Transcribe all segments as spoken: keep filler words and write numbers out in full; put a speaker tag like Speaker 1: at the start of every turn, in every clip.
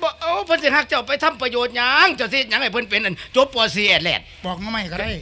Speaker 1: บ่เอาเพิ่นสิฮักเจ้าไปทำประโยชน์หยังเจ้าสิหยังให้เพิ่นเป็นอันจบป.สี่ แอดแลด
Speaker 2: บอกมาใหม่ก็ได้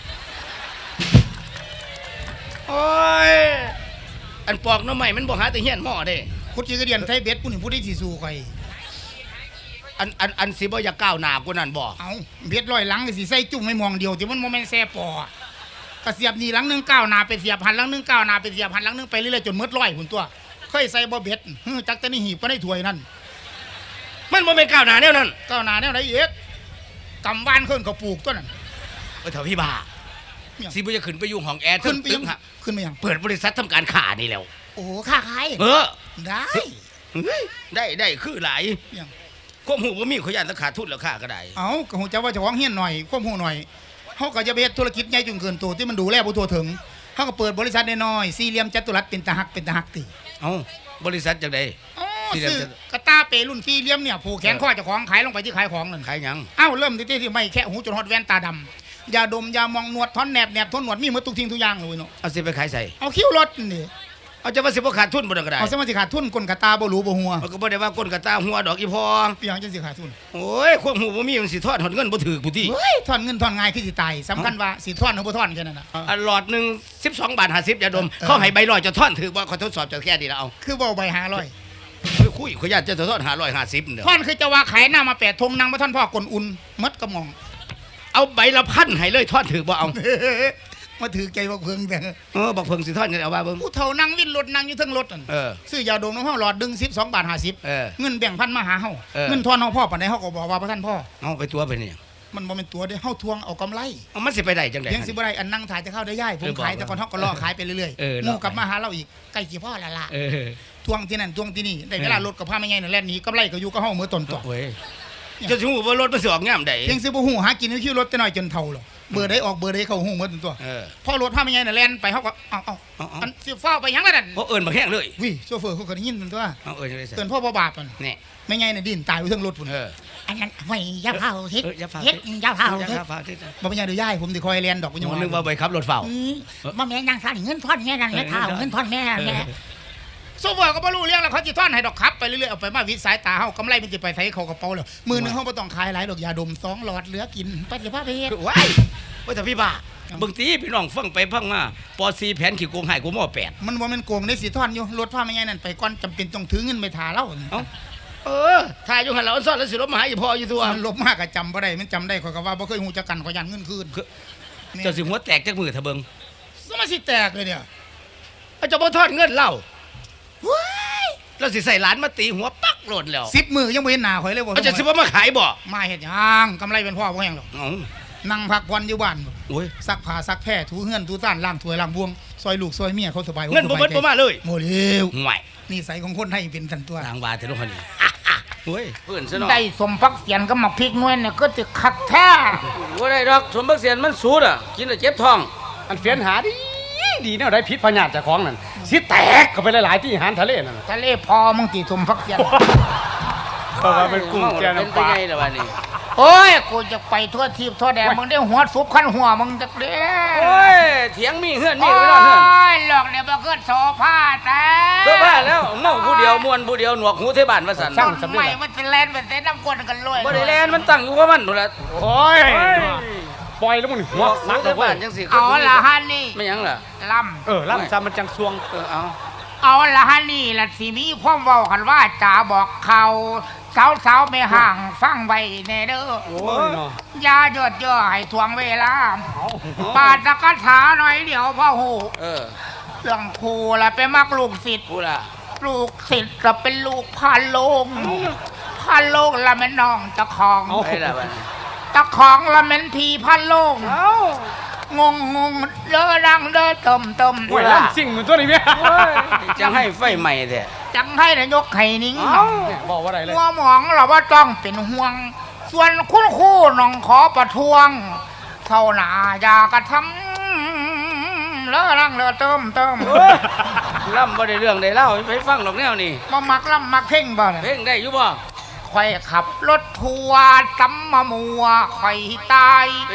Speaker 1: โอ้ยอันปอกหน่อไม้มันบ่หาแต่เฮียนหม้อเด้
Speaker 2: คุดจีกระเดียนไทยเบ็ดผู้นี่ผู้ที่สิสู้ข่อย
Speaker 1: อันอันอันสิบ่อยากก้าวหน้ากว่านั้นบ่
Speaker 2: เอาเบ็ดร้อยหลังก็สิใส่จุ่มไม่มองเดียวที่มันบ่แม่นแซ่ปอกระเสียบนี่หลังนึงก้าวหน้าไปเสียบหันหลังนึงก้าวหน้าไปเสียบหันหลังนึงไปเรื่อยๆจนหมดร้อยพุ่นตัวเคยใส่บ่เบ็ดฮึจักแต่นี่หีบก็ได้ถ้วยนั่น
Speaker 1: มันบ่แม่นก้าวหน้าแนวนั้น
Speaker 2: ก้าวหน้าแนวไหนอีกกำบ้านขึ้นก็ปลูกตัวนั้น
Speaker 1: เออเฒ่าพี่บ้าสิบ่จะขึ้นไปอยู่ห้องแอร์
Speaker 2: ขึ้นไปยังขึ้นไปยัง
Speaker 1: เปิดบริษัททำการค้านี่แล้ว
Speaker 2: โอ้ค้าขาย
Speaker 1: เออ
Speaker 2: ได้
Speaker 1: ได้ได้คือหลายควบหูว่ามีขยันราคาทุนแล้วค่าก็ได้
Speaker 2: เอาก็หูจะว่าจะว้องเฮี้ยนหน่อยควบหูหน่อยเขาก็จะไปธุรกิจใหญ่จนเกินตัวที่มันดูแลผู้ตัวถึงเขาก็เปิดบริษัทน้อยสี่เหลี่ยมจัตุรัสเป็นตะหักเป็นตะหักตี
Speaker 1: เอาบริษัทจากใด
Speaker 2: ซื้อกระตาเปรุ่นสี่เหลี่ยมเนี่ยผูกแขนข้อเจ้าของขายลงไปที่ขายของนั่น
Speaker 1: ขายยัง
Speaker 2: เอ้าเริ่มที่ที่ไม่แค่หูจนฮอดแว่นตาดำยาดมยามองหนวดท่อนแหนบแหนบท่อนหนวดมีหมดทุกทิ้งทุกอย่างเลยเนาะ
Speaker 1: เอาสิไปขายใส่
Speaker 2: เอาคิ้วรถนี่
Speaker 1: เอาจะว่าสิบ่ขาดทุนบ่ได้ก็ได้
Speaker 2: เอาสิมาสิขาดทุนก้นกระตาบ่รู้บ่หัว
Speaker 1: มันก็บ่ได้ว่าก้นกระตาหัวดอกอีพอ
Speaker 2: เปียงจังสิขาดทุน
Speaker 1: โอ้ยควบหูบ่มีมันสิทอดหดเงินบ่ถูกผู้ที่
Speaker 2: เฮ้ยทอนเงินทอนง่ายคือสิตายสำคัญว่าสิทอนหรือบ่ทอนแค่นั้นน่ะ
Speaker 1: อันหลอดนึงสิบสองบาทห้าสิบยาดมเขาให้ใบร้อยจะทอนถูกบ่ขอทดสอบจะแค่นี้แล้วเอา
Speaker 2: คือบ่ใบห้าร้อย
Speaker 1: คุยขอญาตจะทอนห้าร้อยห้าสิบเด้อ
Speaker 2: ทอนคือจะว่าขายหน้ามาแปดธงนางบ่ทอนพ่อกลอุ่นมดกระหม่อม
Speaker 1: เอาใบละพันให้เลยทอดถือบ่เอา
Speaker 2: มาถือใจบักเพิงแต่
Speaker 1: เออบักเพิงสิทอดกันเอาว่าเบิ่ง
Speaker 2: ผู้เฒ่านั่งวินรถนั่งอยู่เทิงรถนั่น
Speaker 1: เออ
Speaker 2: ซื้อยาดมน้ำเฮาหลอดดึงสิบสองบาทห้าสิบ
Speaker 1: เออ
Speaker 2: เงินแบ่งพันมาหาเฮาเงินทอนเฮาพ่อปานใดเฮาก็บอกว่าบ่ทันพ่อ
Speaker 1: เอาไปตัวไปนี่
Speaker 2: มันบ่แม่นตัวเด้เฮาทวงเอากำไร
Speaker 1: เอามันสิไปได้จังได๋
Speaker 2: เพียงสิบ่ได้อันนั่งถ่ายจะเข้าได้ย่ายผมขายแต่ก่อนเฮาก็รอขายไปเรื่อยๆงูกลับมาหาเราอีกใกล้สิพ่อละล่ะ
Speaker 1: เออ
Speaker 2: ทวงที่นั่นทวงที่นี่ได้เวลารถกับพาแม่ใหญ่นั่นแล่นหนีกำไรก็อยู่กับเฮามื้อต้นตัว
Speaker 1: โอ้ยจะสิฮู้ว่ารถมันสิออกยามใด
Speaker 2: เพียงสิบ่ฮู้หากินคิวรถแต่น้อยจนเฒ่าหรอเบอร์ใดออกเบอร์ใดเข้าฮู้มื้อต้นตัว
Speaker 1: เออ
Speaker 2: พอรถพาแม่ใหญ่นั่นแล่นไปเฮาก็เอ้าๆอันสิฟ้าไปหยังล่ะนั่น
Speaker 1: บ่เอิ้นบักแห้งเลย
Speaker 2: วิโชเฟอร์เขาก็ได้ยินต้นตัว
Speaker 1: เอาเอิ้นจังได๋
Speaker 2: เอิ้นพ่อบ่บาปนั่น
Speaker 1: นี่
Speaker 2: แม่ใหญ่น่ะดิ้นตายอยู่เทิงรถพุ่น
Speaker 1: เออ
Speaker 3: อันนั้นไม่ยาเผาทิศ
Speaker 1: เฮ็ด
Speaker 3: ยาเผาทิศ
Speaker 2: บ่เป็นหยังเด้อย่ายผมสิคอยแล่นดอกบ่
Speaker 1: ยังนึกว่าไปขับรถเฝ้า
Speaker 3: บ่แม่นนางซั่นเงินทอนแม่นั่นแม่เฒ่าเงินทอนแม่แม่
Speaker 2: โซเฟอร์ก็บ่รู้เรื่องแล้วเขาสิทอนให้ดอกขับไปเรื่อยๆเอาไปมาวิดสายตาเฮากำไรมันสิไปใส่เข้ากระเป๋าแล้วมื้อนึงเฮาบ่ต้องขายหลายดอกยาดมสองหลอดเหลือกินไปสิพาไปเฮ็ด
Speaker 1: ว้ายว่าแต่พี่บ้าบางทีพี่น้องฟังไปฟังมาปอสี่แผนขี้โกงให้กูหม้อแปด
Speaker 2: มันบ่แม่นโกงได้สิทอนอยู่รถพาแม่ใหญ่นั่นไปก่อนจำเป็นต้องถือเงินไปท่าเรา
Speaker 1: เอ้าเออถ่ายอยู่หั่นแล้วซ่อนแล้วสิลบมาหาอีพ่ออยู่ตัว
Speaker 2: มันลบมากก็จำบ่ได้มันจำได้ข่อยก็ว่าบ่เคยฮู้จักกันข่อยยันเงินคืน
Speaker 1: เจ้าสิหัวแตกจักมือถ้าเบิ่ง
Speaker 2: สมาสิแตกเลยเนี่ย
Speaker 1: เอาเจ้าบ่ทอดเงินเล่าเราสิใส่หลานมาตีหัวปักโลดแล้ว
Speaker 2: สิบมือยังบ่เห็นหน้าข่อยเลยบ่
Speaker 1: เอาจะสิบ่มาขายบ่
Speaker 2: มาเฮ็ดหยังกำไรเป็นพ่อบ่แฮงหรอกนั่งพักผ่อนอยู่บ้าน
Speaker 1: โอ้ย
Speaker 2: ซักผ้าซักแพร่ถูเฮือนถูซ่านล้างถ้วยล้างบวงซอยลูกซอยเมียเขาสบาย
Speaker 1: เงินบ่เบิดบ่มาเลย
Speaker 2: บ่เร็ว
Speaker 1: ห่วย
Speaker 2: นิสัยของคนไทยเป็นซั่นตัว
Speaker 1: ทางว่าแต่ลูกคนนี้โอ้ยเพิ่นซะเนาะ
Speaker 3: ได้สมพักเสียนกับหมักพริกน้อยเนี่ยก็สิคักแท้
Speaker 1: บ่ได้ดอกสมพักเสียนมันสูดอ่ะกินแล้วเจ็บท้อง
Speaker 4: อันเฟียนหาดีดีแนวใดพิษพญาติเจ้าของนั่นสิแตกเข้าไปหลายๆที่อาหารทะเลนั่น
Speaker 3: ทะเลพอมึงสิสมพักเสียน
Speaker 4: เพราะว่าเป็นกุ้งแกน้ำปลา
Speaker 1: เป็นไงล่ะบัดนี้
Speaker 3: โอ้ยกูจะไปทั่วทีบทั่วแดนมึงได้หัวซุบขั้นหัวมึงจักเด้
Speaker 1: โอ้ยเถียงมีเฮือนมีไปนอนเฮือน
Speaker 3: โอ้ยหลอกเนี่ยบ่เกิดโซฟาแต่
Speaker 1: โซฟาแล้วเมาผู้เดียวม่วนผู้เดียวหนวกหูเทบ้านว่าซั่น
Speaker 3: ทำไมมันสิแล่นเป็นเส้นน้ำกวนกันเลย
Speaker 1: บ่ได้แล่นมันตั้งอยู่กับมันนู่นล่ะ
Speaker 4: โอ้ยปล่อยแล้วมึงหัว
Speaker 1: นักดอกบ้านจังสิ
Speaker 3: เอาละฮะนี่
Speaker 1: ไม่หยังล่ะ
Speaker 3: ล่
Speaker 4: ำเออล่ำซะมันจังซวง
Speaker 1: เออเอา
Speaker 3: เอาละฮะนี่ล่ะสิมีความเว้ากันว่าจ๋าบอกเขาสาวๆไม่ห่างฟังไว้แน่เด้อ
Speaker 4: โอ้ยเนาะ
Speaker 3: อย่าหยดเยอะให้ทวงเวลาปาดกถาหน่อยเดี๋ยวพ่อฮู้
Speaker 1: เออ
Speaker 3: เรื่องครูล่ะไปมักลูกศิษย์
Speaker 1: ผู้ล่ะ
Speaker 3: ลูกศิษย์ก็เป็นลูกพานโลงพานโลงละแม่น้องตะของ
Speaker 1: ไอ้ล่ะบัดนี้
Speaker 3: ตะของละแม่นพี่พานโลงงงงงเด้อดังเด้อเติมเติม
Speaker 4: โอ้ยล่ำสิ่งเหมือนตัวนี้แม่
Speaker 1: จังให้ไฟใหม่แท้
Speaker 3: จังให้นายกไข่นิ้ง
Speaker 4: บอกว่าอะไรเลย
Speaker 3: หัวหมองเราว่าต้องเป็นห่วงส่วนคุณครูน้องขอประท้วงเท่าหน้าอย่ากระทำเลอะรังเลอะเติมเติม
Speaker 1: ล่ำบ่ได้เรื่องได้เล่าไปฟังดอกแนวนี่
Speaker 3: มามักล่ำมักเพ่งบ่
Speaker 1: เพ่งได้อยู่บ่
Speaker 3: ข่อยขับรถทัวร์ซ้ำมามัวข่อยตาย
Speaker 1: เป็นหยัง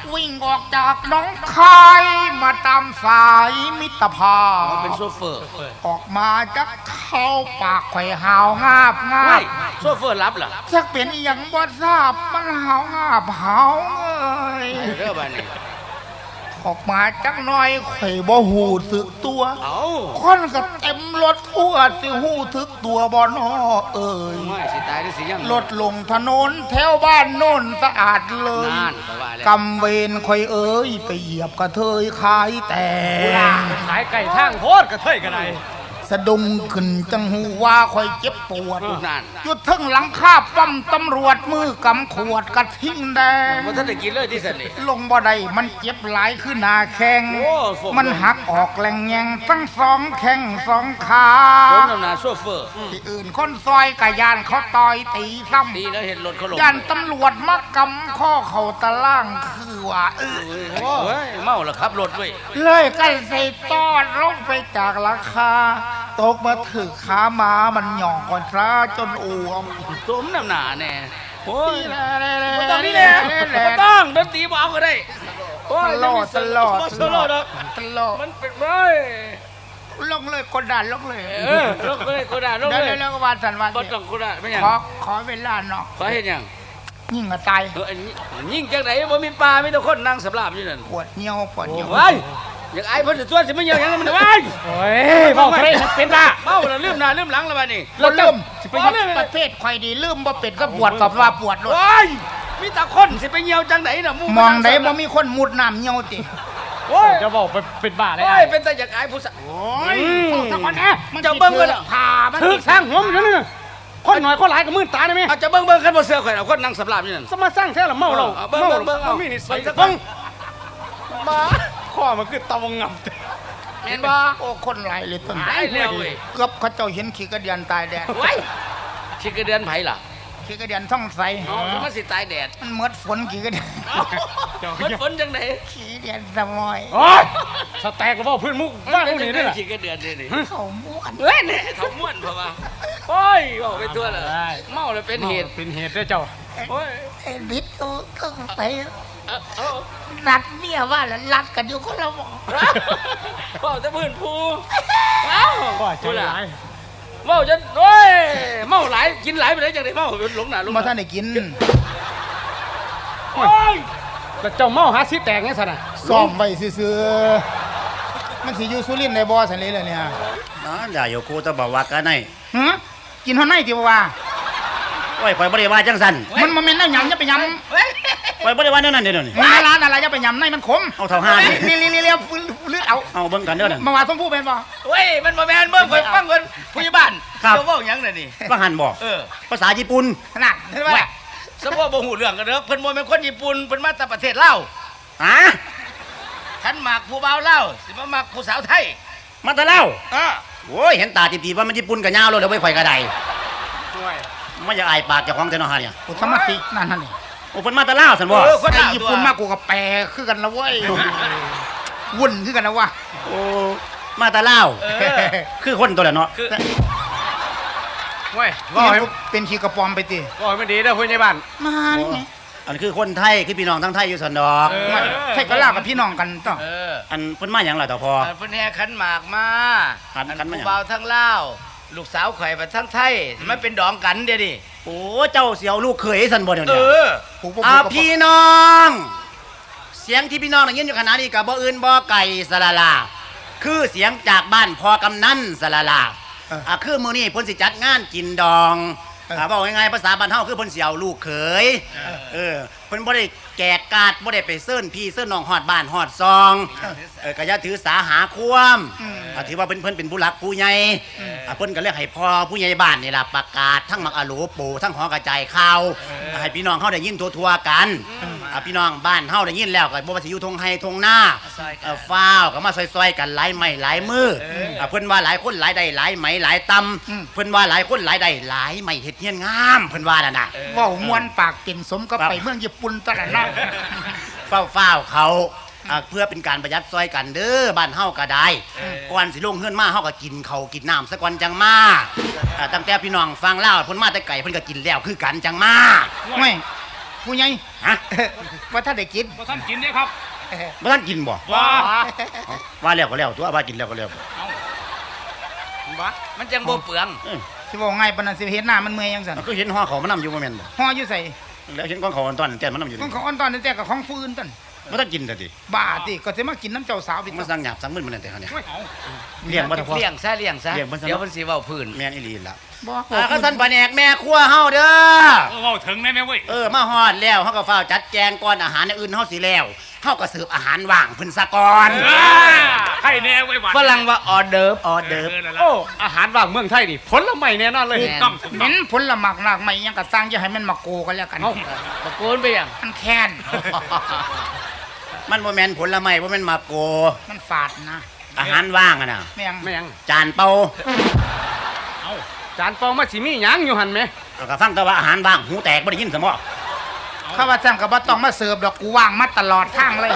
Speaker 3: วิ่งออกจากหน้องคายมาตามสายมิตรภาพ
Speaker 1: เป็นโซเฟอร์
Speaker 3: ออกมาจากเข้าปากไข่หาวงาบงา
Speaker 1: ไม่
Speaker 3: บ
Speaker 1: โซเฟอร์รับเหรอ
Speaker 3: สักเป็นอหย่างบ่ทราบมันหาวงาบหาวเอ้ย
Speaker 1: เรื่องบ้านนี้
Speaker 3: ออกมาจักหน้อยไข่บ่หูสึกตัว
Speaker 1: เอา
Speaker 3: คนก็เต็มรถทั่วสิหูทึกตัวบ่นอเอ้ย
Speaker 1: ไม่สิตายได้สิยัง
Speaker 3: รถลงถนนแถวบ้านโน่นสะอาดเลย
Speaker 1: นานก็ว่าแล้ว
Speaker 3: กำเวรคอยเอ้ยไปเหยียบกระเทยขายแต่ง
Speaker 4: ขายไก่ทางโพดกระเทยกันได
Speaker 3: สะดุ้งขึ้นจังหูว่าคอยเจ็บปวด
Speaker 1: นาน
Speaker 3: หยุดทึ่งหลังคาป้อมตำรวจมือกำขวดกระทิ้งแดง
Speaker 1: ว่าท่านได้กินเลยที่สันนี่
Speaker 3: ลงบ่ได้มันเจ็บหลายขึ้นหนาแข้ง
Speaker 1: โอ้ฝน
Speaker 3: มันหักออกแหลงแยงทั้งสองแข้งสองขา
Speaker 1: ผมนำหนาโซเฟอร์
Speaker 3: ที่อื่นคนซอยกะยานเขาต่อยตีซ้
Speaker 1: ดีแล้วเห็นรถเขาลง
Speaker 3: ำยานตำรวจมากำข้อเข่าตะล่างคือว่าเออ
Speaker 1: เฮ้ยเมาแล้วขับรถเว้ย
Speaker 3: เลยกันใส่ตอดลงไปจากราคา ตกมาถึกขาหมามันหย่องก่อนซะจนอ้วม
Speaker 1: สมน้ำหนาแน่โอ้ย
Speaker 3: นี่แหละ
Speaker 1: ไม่ต้องนี่แหละไม่ต้องดนตรีบอกก็ได้โอ้
Speaker 3: ต
Speaker 1: ย
Speaker 3: ลอดตลอด
Speaker 1: ตลอดเนาะ
Speaker 3: ตลอด
Speaker 1: มันเป็นเว้ย
Speaker 3: ลงเลยกดดันลงเลย
Speaker 1: เออลงเลยกูด่าลง
Speaker 3: เดี๋ยว
Speaker 1: เลย
Speaker 3: เดี๋ยวก็วานสันวาน
Speaker 1: บ่ต้องกูด่าไม่หยัง
Speaker 3: ขอขอเวลาเนาะ
Speaker 1: ขอเห็นหยัง
Speaker 3: ยิ่งกระตาย
Speaker 1: เอออันนี้ยิ่งจังไหนบ่มีปลามีแต่คนนั่งสำราบอยู่นั่น
Speaker 3: ปวดเหี่ยวปวดเหี่ยว
Speaker 1: เว้ยอยากไอ้เพิ่นสิตัวสิไม่เหี่ยวหยังมันเว้ย
Speaker 4: โอ้ยเว้าเทะเป็นบ้า
Speaker 1: เมาแล้วลืมหน้าลืมหลังแล้วบัดนี้
Speaker 3: เราเริ่ม
Speaker 1: สิไป
Speaker 3: ประ
Speaker 1: เหี่ยว
Speaker 3: ประเภทใครดีลืมบ่เป็ดก็ปวดกับว่าปวดเลย
Speaker 1: โอ้ยมีแต่คนสิไปเหี่ยวจังไหนน่ะห
Speaker 3: มองไหนบ่มีคนมุดน้ำเหี่ยวติ
Speaker 1: โอ้ย
Speaker 4: จะบอกไปเป็นบ้าเลย
Speaker 1: โอ้
Speaker 4: ไอ้
Speaker 1: ยเป็นแต่อยากไอ้ผู้สาว
Speaker 3: โอ้ยสักวันนะมัน
Speaker 1: จะเบิ่งกันเหรอ
Speaker 3: ผ่ามัน
Speaker 4: ถึกสร้างหัวมันอยู่นั่นน่ะคนหน่อยคนหลายก็มืดตาได้ไหม
Speaker 1: เอาจะเบิ่งเบิ่งคันบ่เสือข่อยเอาคนนั่งสำราบอยู่นั่น
Speaker 4: สมาสร้างแท้ละเมาเรา
Speaker 1: เอาเบิ่ง
Speaker 4: เมา
Speaker 1: เบิ่งเบิ่งเอา
Speaker 4: มีนิสัย
Speaker 1: เบิ่ง
Speaker 4: เบิ่งมาข้อมันคือตะวงงับ
Speaker 1: แม่นบ่
Speaker 3: โอ้คนหลายเลยต้น
Speaker 1: ตายแล้วเว้ย
Speaker 3: เกือบเขาเจ้าเห็นขี้กระเดียนตายแดด
Speaker 1: โอ้ยสิกระเดือนไผล่ะ
Speaker 3: ขี้กระเดียนท่องใส
Speaker 1: เอามันสิตายแดด
Speaker 3: มันเมดฝนขี้กระเดียน
Speaker 1: เอ้ามันฝนจังไหน
Speaker 3: ขี้กระเดียนสมอย
Speaker 4: โอ้ยสแต็กก็บอกพื้นมุกว่างพวกนี้ด้วยล่ะ
Speaker 1: สิกระเดือนนี่นี่
Speaker 3: เขาม้วน
Speaker 1: เฮ้ยนี่เท่าม่วนเพราะว่าโอ้ยบอกไปตัวละเมาแล้วเป็นเหตุ
Speaker 4: เป็นเหตุด้วยเจ้า
Speaker 1: โอ้ย
Speaker 3: ไอ้ดิดก็ก็ไป
Speaker 1: เอาเอา
Speaker 3: นัดเมียว่าแล้วรัดกันอยู่คนละหมอ
Speaker 1: เมาแต่พื้นภูเอ้า
Speaker 4: ก็ใจร้าย
Speaker 1: เมาจนโอ้ยเมาหลายกินหลายไปไหนจังไดเมาหลงหน้าหลง
Speaker 3: มา
Speaker 1: ตา
Speaker 3: ท่านได้กิน
Speaker 1: โอ้ย
Speaker 4: แต่เจ้าเมาหาสิแตกไงสันน่ะ
Speaker 3: ซ้อมไว้ซื่อๆมันสิอยู่สุรินทร์ในบ่อสันเลยเลยเนี่ย
Speaker 5: นั่นอย่าอยู่กูจะบอกว่ากันไง
Speaker 3: ฮะกินเท่าไหร่ที่ว่า
Speaker 5: โอ้ยข่อยบ่ได้ว่าจังสัน
Speaker 3: มันมันเป็นน้ำยำจะไปยำ
Speaker 5: ข่อยบ่ได้ว่าแนวนั้นเด้อนี่
Speaker 3: มันร้านอะไรจะไปยำในมันขม
Speaker 5: เอาเท่าห้านี่
Speaker 3: เลี้ยเลี้ยเลี้ยเลือดเอา
Speaker 5: เอาเบิ่งกันเด้อนั่น
Speaker 3: มาว่าต้องพูดเป็นป่ะ
Speaker 1: เว้ยมันบ่แม่นเบิ่งข่อยฟังเพิ่นผู้ใหญ่บ้าน
Speaker 5: ครับ
Speaker 1: เจ้าเว้าหยังน่ะนี่
Speaker 5: ว่าหันบอก
Speaker 1: เออ
Speaker 5: ภาษาญี่ปุ่น
Speaker 3: ขนาดเห็นไหม
Speaker 1: สมมุติบ่ฮู้เรื่องกันเด้อเพิ่นบ่แม่นคนญี่ปุ่นเพิ่นมาจากประเทศลาว
Speaker 5: ฮะ
Speaker 1: คันหมากผู้บ่าวลาวสิมามักผู้สาวไทย
Speaker 5: มาแตะเล่า
Speaker 1: อ่า
Speaker 5: โอ้ยเห็นตาตีๆว่ามันญี่ปุ่นกับยาวเลยเดี๋ยวไปข่อยกระไดมันจะอายปากเจ้าของแต่เนาะฮะเนี่ย
Speaker 3: กูทำมาสินั่นนั่นนี่
Speaker 5: โอ้เพิ่นมาแตะเล่าซั่นบ่
Speaker 1: เออคน
Speaker 3: ไอ้
Speaker 1: ลาว
Speaker 3: ญี่
Speaker 1: ตัว
Speaker 3: ปุ่นมากกูกับแปรคือกันนะเว้ยวุ่นคือกันนะวะ
Speaker 5: โอ้มาแตะเล่า
Speaker 1: เออ
Speaker 5: คือคนตัวละเนาะ
Speaker 1: คือ
Speaker 4: เว้ย
Speaker 3: ว่า
Speaker 4: ว่าให้
Speaker 3: เป็นขี้กระปอมไปตี
Speaker 4: ว่าให้มันดีนะผู้ใหญ่บ้าน
Speaker 3: มานี่ไง
Speaker 5: อันคือคนไทยคือพี่น้องทั้งไทยอยู่ซั่นดอก
Speaker 1: เออ
Speaker 3: ไม่ใช่ก็ลากับพี่น้องกันต้อง
Speaker 1: เออ
Speaker 5: อันเพิ่นมาหยังล่ะต่อพอ
Speaker 1: อันเพิ่นแห่ขันหมากมา
Speaker 5: ขันขันมาหยัง
Speaker 1: ผู้บ่าวทั้งลาวลูกสาวข่อยไปทั้งไทยสิมาเป็นดองกันเดี๋ยวนี้
Speaker 5: โอ้เจ้าเสียวลูกเขยซั่นบ่เดี๋ยว
Speaker 1: เอ
Speaker 5: นี้
Speaker 1: อ
Speaker 3: กูบ่
Speaker 5: อ่า
Speaker 3: กูก็บ่
Speaker 5: พี่น้อง เสียงที่พี่น้องได้ยินอยู่ขณะนี้กับบ่อื่นบ่ไก่สละลาคือเสียงจากบ้านพอกำนันสละลาอ่าคือมื้อนี้เพิ่นสิจัดงานกินดองอ่าเว้าง่ายๆภาษาบ้านเฮาคือเพิ่นสิเอาลูกเขยเออเพิ่นบ่ได้แกกกาดบ่ได้ไปเซิ้นพี่เซิ้นน้องฮอดบ้านฮอดซองเออก็อย่าถือสาหาความอ่าถือว่าเพิ่นเพิ่นเป็นผู้หลักผู้ใหญ่อ่าเพิ่นก็เรียกให้พ่อผู้ใหญ่บ้านนี่ล่ะประกาศทั้งมักอะโหลปูทั้งหอกระจายข่าวให้พี่น้องเฮาได้ยินทั่วๆกัน อ่ะพี่น้องบ้านเฮาได้ยินแล้วก็บ่ว่าสิอยู่ทงไห้ทงหน้า
Speaker 1: ซอยกัน
Speaker 5: เอ่อฟ้าวก็มาซอยๆกันหลายไม้หลายมืออ่ะเพิ่นว่าหลายคนหลายได้หลายไหมหลายตำเพิ่นว่าหลายคนหลายได้หลายไม้เฮ็ดเฮียนงามเพิ่นว่านั่นน่ะ
Speaker 3: เว่ามวนปากเป็นสมก็ไปเมืองญี่ปุ่นตลอดนะ
Speaker 5: ฟ้าวฟ้าวๆเขาอ่ะเพื่อเป็นการประหยัดซอยกันเด้อบ้านเฮาก็ได้ก่อนสิลงเฮือนมาเฮาก็กินข้าวกินน้ำซะก่อนจังมาอ่ะตั้งแต่พี่น้องฟังเล่าวเพิ่นมาแต่ไก่เพิ่นก็กินแล้วคือกันจังมา
Speaker 3: ไม่
Speaker 2: ผู้ใหญ่
Speaker 5: ฮะ
Speaker 2: ว่าถ้าได้กิน
Speaker 3: บ่ท่านกินเด้ครับ
Speaker 5: บ่ทันกินบ่
Speaker 3: ว้า
Speaker 5: เอาว่าแล้วก็แล้วตัวว่ากินแล้วก็แล้ว
Speaker 1: บ่มันจังบ่เปลือง
Speaker 5: เออ
Speaker 2: สิบอกไงปานนั้นสิเฮ็ดหน้ามันเมื่อยยังซั่น
Speaker 5: ก็เห็นห่อเขามันนํอยู่บ่แม่นบ่
Speaker 2: ห่ออยู่ใส่
Speaker 5: แล้วเห็นของเขาตอนนั้นแต่มันนํอยู่
Speaker 2: ของ
Speaker 5: นี่
Speaker 2: เขาอ่อนตอนนั้นแต่กับของฟืนตัน
Speaker 5: บ่ทันกินซะติ
Speaker 2: บ้าติก็สิมากินน้ำเจ้าสาวพี่
Speaker 5: มันสั่งหยาบสั่งมึนมันนั่นแต่เฮาเนี่ย
Speaker 3: เอา
Speaker 5: เลี้ยงบ่ทันพอ
Speaker 1: เลี้ยงซะเลี้ยงซะ
Speaker 5: เลี้ยงมันซะ
Speaker 1: เดี๋ยวมันสิเว้าพื้น
Speaker 5: แม่นอีหลีล่ะ
Speaker 2: บ่
Speaker 5: อ่าข้าสันแผนกแม่ครัวเฮาเด้อ
Speaker 3: เออเว้าถึงได้ไหมเว้ย
Speaker 5: เออมาฮอดแล้วเฮาก็ฟ้าวจัดแจงก่อนอาหารอย่างอื่นเฮาสิแล้วเฮาก็เสิร์ฟอาหารว่างเพิ่นซะก่อน
Speaker 3: เออใครแน่เว้ยหวาน
Speaker 1: ฝรั่งว่าออเดิร์ฟ
Speaker 5: ออเดิร์ฟ
Speaker 3: นั่นล่ะ
Speaker 4: โอ้อาหารว่างเมืองไทยนี่ผลไม้แน่นอนเลย
Speaker 3: ถูกต้องถูก
Speaker 2: เห
Speaker 3: ต้
Speaker 2: ม็
Speaker 3: อง
Speaker 2: นผลละหมากหลากไม้ยังก็สร้างอย่าให้มันมาโกกันแล้วกัน
Speaker 4: เอ้า
Speaker 1: ตะโกนไปยัง
Speaker 2: มันแค้น
Speaker 5: มันบ่แม่นผลไม้บ่แม่นมาโก
Speaker 2: มันฝาดนะ
Speaker 5: อาหารว่างอะน่ะ
Speaker 2: แม่ง
Speaker 4: แม่ง
Speaker 5: จานเปล่า
Speaker 3: เอา
Speaker 4: จานเปองมาสิมีหยังอยู่หั่นแหม
Speaker 5: เอาก็ฟังแต่ว่าอาหารว่างหูแตกบ่ได้ยินซะบ่
Speaker 2: ข้าว่าจังก็บ่ต้องมาเสิร์ฟดอกกูว่างมาตลอดทางเลย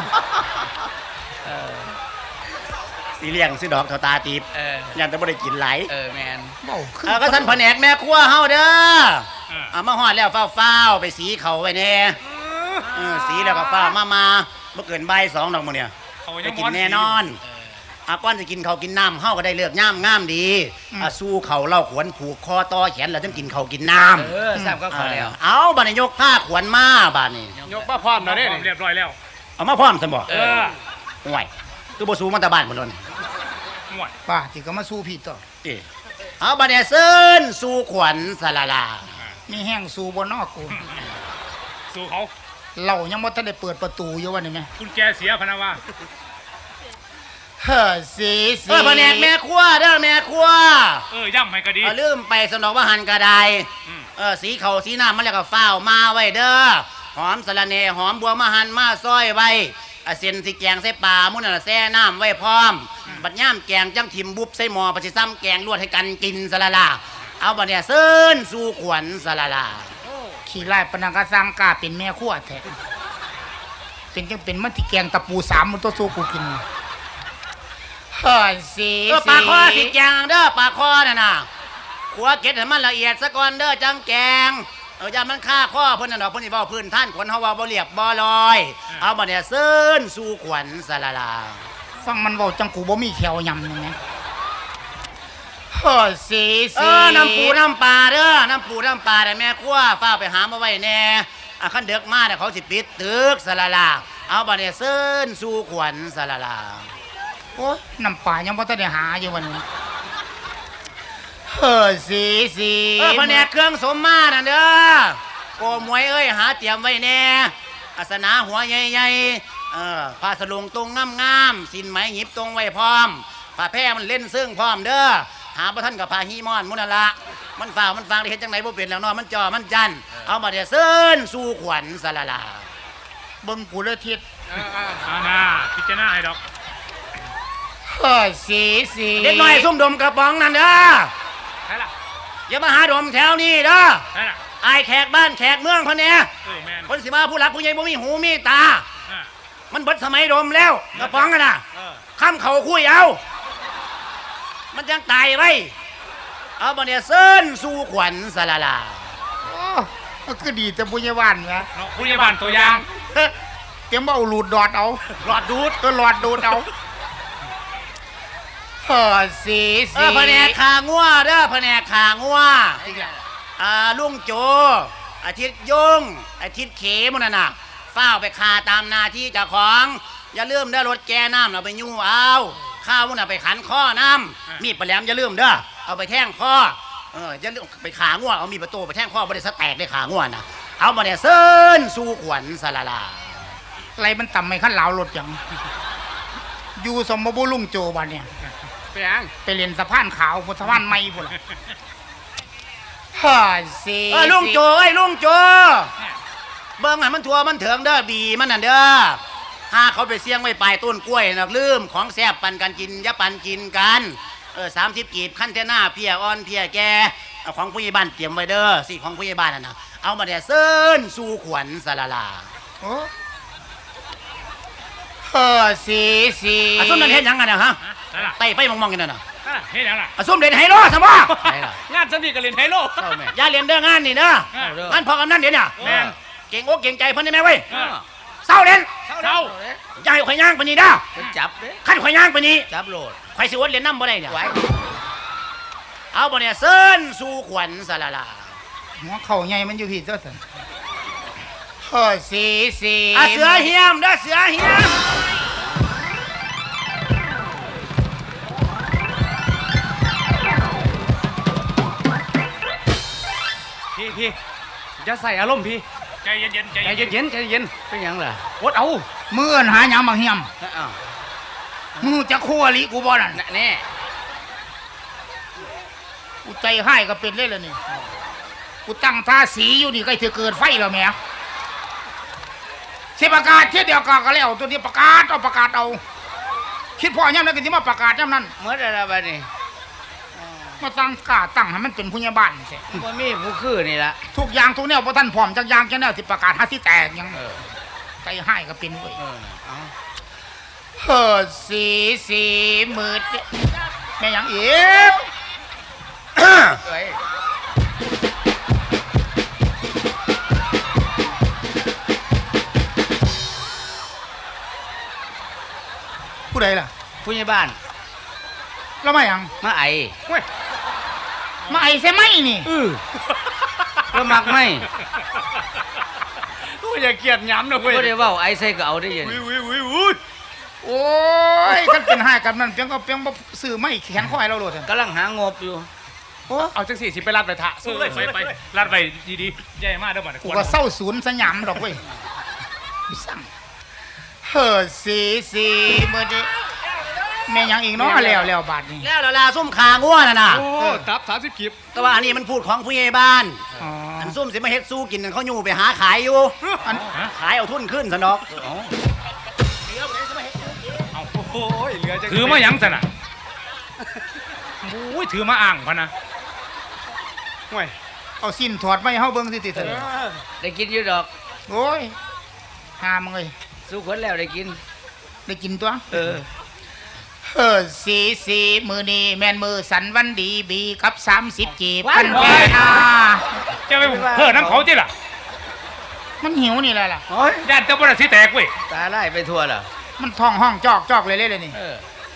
Speaker 5: สิเลี้ยงสิดอกเท่าตาตีบ
Speaker 1: เออ
Speaker 5: ยันแต่บ่ได้กินหลาย
Speaker 1: เออแมน
Speaker 2: เบ้าคือ
Speaker 5: เออก็สันแผนกแม่ครัวเฮาเด้อ
Speaker 3: เออ
Speaker 5: เอามาฮอดแล้วฟ้าวๆไปสีเขาไว้แน่เออสีแล้วก็ฟ้าวมามาบ่เกินบ่ายสองดอกมื้อเนี่ย
Speaker 3: เขา
Speaker 5: ไป
Speaker 3: ยัง
Speaker 5: กินแน่นอนอาก้อนจะกินเขาวกินน้ำเฮาก็ได้เลือกย่ามงามดีอ่ะสู้เขาเล่าขวนผูกคอต่อแขนแล้วจึงกินเขาวกินน้ำ
Speaker 1: เออทราบก็เขาแล้ว
Speaker 5: เอาบัดนี้ยกผ้าขวนมาบัดนี้
Speaker 4: ยกมาพร้อม
Speaker 3: เรา
Speaker 4: แล้ว
Speaker 3: ได้
Speaker 4: เด้นี่
Speaker 3: เรียบร้อยแล้ว
Speaker 5: เอามาพร้อมซั่นบ่
Speaker 3: เออ
Speaker 5: ห่วยคือบ่สู้มาแต่บ้านพุ่นโดน
Speaker 3: ห่วย
Speaker 2: ป้าที่ก็มาสู้พี่ต่อ
Speaker 5: ติเอาบัดนี้เซิ้นสู้ขวัญสลาลา
Speaker 2: มีแห้งสู้บ่นอกกู
Speaker 3: สู้เขา
Speaker 2: เรายังบ่ทันได้เปิดประตูอยู่ว่านี่แม่
Speaker 3: คุณแกเสียพะนะว่า
Speaker 2: เฮ้อสีสี
Speaker 5: เออแผนกแม่ครัวเด้อแม่ครัว
Speaker 3: เออย่ำให้ก็ดี
Speaker 5: เอาลืมไปสนองว่าหันกระได
Speaker 3: อืม
Speaker 5: เออสีเขาสีน้ำมันแล้วก็ฟ้าวมาไว้เด้อหอมสะระเนหอมบัวมาหันมาซอยไว้อ่ะเส้นสิแกงใส่ปลามุ่นน่ะแซ่น้ำไว้พร้อม บัดย่ามแกงจังทิมบุบใส่หม้อปะสิซ้ำแกงลวดให้กันกินสะละลาเอาบัดเนี่ยเซิ้นสู่ขวัญสะละลา
Speaker 2: ขี้ไล่ปานนังก็สร้างกล้าเป็นแม่ครัวแท้เป็นจังเป็นมันที่แกงตะปูสามมันตัวสู้กูกินเฮ้อสี
Speaker 5: เออปลาคอสิแกงเด้อปลาคอน่ะน่ะขัวเก็ดให้มันละเอียดซะก่อนเด้อจังแกงเอออย่ามันฆ่าข้อเพิ่นน่ะดอกเพิ่นสิเว้าพื้นท่านขวัญเฮาเว้าบ่เรียบบ่ลอย เอาบัดเนี่ยเซิ้นสู่ขวัญสะละลา
Speaker 2: ฟังมันเว้าจังกูบ่มีแขวยำนี่แหมเฮ้อสี
Speaker 5: เอ
Speaker 2: สี
Speaker 5: อน้ำปูน้ำปลาเด้อน้ำปูน้ำปลาแต่แม่ครัวฟ้าไปหามาไว้แน่อ่ะคันเด็กมาเนี่ยเขาสิปิดตึกสะละลาเอาบัดเนี่ยเซิ้นสู่ขวัญสะละลา
Speaker 2: โอ้ยน้ำปลายังบ่ทันได้หาอยู่วันนี้เฮ้อสีสี
Speaker 5: เออแผนกเครื่องสมมาน่ะเด้อโกมวยเอ้ยหาเตรียมไว้แน่อาสนาหัวใหญ่ๆเออผ้าสลุงตรงงามๆสินไหมหยิบตรงไว้พร้อมผ้าแพร่มันเล่นซึ่งพร้อมเด้อหาบ่ทันกับผ้าฮีมอนมุนนละมันฝ่าวมันฟังได้เฮ็ดจังไดบ่เป็นแล้วเนาะมันจอมันจันเอาบัดเนี่ยเซิ้นสู่ขวัญสะละลา
Speaker 2: เบิ่งกูเลยทิศ
Speaker 3: อาณาพิจารณาให้ดอก
Speaker 2: เฮ้อสีสี
Speaker 5: เด็กน้อยซุ่มดมกระป๋องนั่นเด้อ
Speaker 3: ใช่ล่ะ
Speaker 5: อย่ามาหาดมแถวนี้เด้อ
Speaker 3: ใช่ล่ะ
Speaker 5: อายแขกบ้านแขกเมืองพะเนี่ย
Speaker 3: เออแมน
Speaker 5: คนสิมาผู้หลักผู้ใหญ่บ่มีหูมีตา
Speaker 3: อ่ะ
Speaker 5: มันเบิดสมัยดมแล้วกระป๋องกันน่ะ
Speaker 3: เออ
Speaker 5: ค้ำเขาคุยเอา มันจังตายไว้เอาบ่เนี่ยเซิ้นสู่ขวัญสะละลา
Speaker 2: โอ้มันคือดีแต่บุญยวานแหม
Speaker 3: เนาะผู้ใหญ่บ้านตัวอย่าง
Speaker 2: เฮ้ยเตรียมว่าเอาหลูดดอดเอา
Speaker 5: หลอดดูด
Speaker 2: ก็หลอดดูดเอาเฮ้อสี
Speaker 5: เอ
Speaker 2: สี
Speaker 5: อแผนกขางัวเด้อแผนกขางัวอ่าลุงโจ อาทิตย์ยงอาทิตย์เขมันน่ะนะฝ้าวไปคาตามนาที่เจ้าของ อย่าลืมเด้อรถแกน้ำเราไปยู่เอาข้าวมันน่ะไปขันข้อน้ำมีดปลาแหลมอย่าลืมเด้อเอาไปแท่งข้อเอออย่าลืมไปขางัวเอามีดประตูไปแท่งข้อบริษัทแตกได้ขางัวน่ะเอามาเนี่ยเซิ้นสู่ขวัญสะละลา
Speaker 2: อะไรมันต่ำไม่ขั้นเหลารถอย่างอยู่สมบูรณ์ลุงโจบันเนี่ย
Speaker 4: ไปหยัง
Speaker 2: ไปเรียนสะพานขาวบนสะพานไม่พุ่นล่ะเฮ้อสี
Speaker 5: เออลุงโจไอ้ยลุงโจเบิ่งให้มันทัวมันเถิงเด้อบีมันน่ะเด้อหาเขาไปเสี่ยงไว้ปลายต้นกล้วยนะลืมของแซ่บปันกันกินอย่าปันกินกันเออสามสิบกีบขั้นเทน่าเพียอ่อนเพียแกเอาของผู้ใหญ่บ้านเตรียมไว้เด้อสิของผู้ใหญ่บ้านน่ะนะเอามาเนี่ยเซิ้นสู่ขวัญสะละลา
Speaker 2: โอ้เฮ้อสีสี
Speaker 5: อาส้มนั่นเห็นยังไงนะฮะ
Speaker 3: ใช่ล่ะ
Speaker 5: ไต่ไฟมองๆกันน่ะนะ
Speaker 3: ใช่ล่ะเฮ็ดหยังล่ะ
Speaker 5: อาส้มเด่นไฮโลสมบ่
Speaker 1: ใช่ล่ะ
Speaker 4: งานสนิทกับเล่นไฮโล
Speaker 1: เข้าแม่
Speaker 5: อย่าเรียนเด้องานนี่เด้อ
Speaker 3: เออ
Speaker 5: งานพอกำนันเดี๋ยวเนี่ย
Speaker 3: แม่น
Speaker 5: เเก่งอกเก่งใจเพิ่นได้ไหมเว้ย
Speaker 1: เออ
Speaker 5: เศร้าเล่น
Speaker 1: เศร้า
Speaker 5: อย่าให้ข่อยย่างปานนี้เด้อ
Speaker 1: เป็นจับเด้
Speaker 5: คันข่อยย่างปานนี้
Speaker 1: จับโหลด
Speaker 5: ข่อยสิอดเล่นน้ำบ่ได้เนี่ย
Speaker 1: ไว้
Speaker 5: เอาบ่เนี่ยเซิ้นสู่ขวัญสะละลา
Speaker 2: หัวเข่าใหญ่มันอยู่พี่เจ้าสันเฮ้ยสีสี
Speaker 5: อ่ะเสือเฮียมเด้อเสือเฮียม
Speaker 4: พี่พี่จะใส่อารมณ์พี่
Speaker 1: ใจเย็นๆใจ
Speaker 4: ใจ
Speaker 1: เย็น
Speaker 4: เย็นๆใจเย็น
Speaker 1: เป็นหยังล่ะ
Speaker 4: ๆอดเอา
Speaker 2: มือเอิ้นหาหยังบางเฮียม
Speaker 1: อ้าว
Speaker 2: มึงจะคู่อลิกูบ่นั่น
Speaker 1: น่ะแน่
Speaker 2: กูใจให้ก็เป็นเลยล่ะนี่กูตั้งท่าสีอยู่นี่ใกล้จะเกิดไฟแล้วแหม่สิประกาศเที่ยเดียวกันก็แล้วตัวนี้ประกาศเอาประกาศเอาคิดพ่อย่ำนั้นก็สิมาประกาศย่ำนั้น
Speaker 1: เมื่อไรบัดนี้
Speaker 2: มาตั้งกล้าตั้งให้มันเป็นผู้ใหญ่บ้านสิ
Speaker 1: บ่มีผู้คือนี่ล่ะ
Speaker 2: ทุกอย่างทุกแนวพอท่านพร้อมจักอย่างจักแนวที่ประกาศหาที่แตกหยัง
Speaker 1: เออ
Speaker 2: ใจให้ก็เป็นเว้ย
Speaker 1: เออเอา
Speaker 2: เฮ้อสีสีมืดแม่หยังอีก
Speaker 1: เอ้ย
Speaker 2: ผู้ใดล่ะ
Speaker 1: ผู้ใหญ่บ้าน
Speaker 2: แล้วมาหยัง
Speaker 1: มาไอ
Speaker 4: เว้ย
Speaker 2: มาไอ้ใช่ไหมนี่
Speaker 1: เออแล้วมักไหม
Speaker 4: โอ้ยอย่าเกลียดย้ำนะเว้ย
Speaker 1: บ่ได้เว้าไอใส่ก็เอาได้ยิน
Speaker 4: วิววิววิวอุ้ย
Speaker 2: โอ้ยกันเป็นให้กันนั่นเพียงก็เพียงบ่ซื้อไม่แขนข้อให้เราโลดซั่น
Speaker 1: กำลังหางบอยู่
Speaker 2: โอ้
Speaker 4: เอาจังสี่สิไปรัดไปทะสู้เลยไปไปรัดไปดีๆใหญ่มากเด้อบ่
Speaker 2: กูก็เศร้าศูนย์สยามดอกเว้ยสั่งเฮ้อสีสีมืดแม่หยังอีกเนาะแล้วแล้วบาดนี้
Speaker 5: แล้วละลาซุ่มขาง่วน่ะนะ
Speaker 4: โอ้ตับสามสิบคลิป
Speaker 5: แต่ว่าอันนี้มันพูดของผู้ใหญ่บ้าน
Speaker 2: อ๋อ
Speaker 5: อันซุ่มสิมาเฮ็ดสู้กินนั่นเขาอยู่ไปหาขายอยู่
Speaker 2: อัน
Speaker 5: ขายเอาทุนขึ้นซะดอก
Speaker 4: โอ้ยเหลือจัง
Speaker 6: ถือมาหยังสนะโอ้ยถือมาอ่างพะนะ
Speaker 4: ห่วย
Speaker 2: เอาสิ้นถอดไว้ให้เฮาเบิ่งสิติซั่น
Speaker 1: ได้กินอยู่ดอก
Speaker 2: โอ้ยหามึงเอ้ย
Speaker 1: สู้คนแล้วได้กิน
Speaker 2: ได้กินตัว
Speaker 1: เออ
Speaker 2: เออสีสีมือนี้แม่นมือสันวันดีบีกับสามสิบจีบ
Speaker 1: ว้าย
Speaker 2: กันแก่นา
Speaker 6: จะไปเพิ่อน้ำเขาจิล่ะ
Speaker 2: มันหิวนี่แหละล่ะ
Speaker 1: โอ้ย
Speaker 6: ญาติเจ้าบ่ได้สิแตกเว้ย
Speaker 1: ตาไล่ไปทั่วแล้ว
Speaker 2: มันท้องห้องจอกจอกเลยเลยเลยนี่
Speaker 1: เออ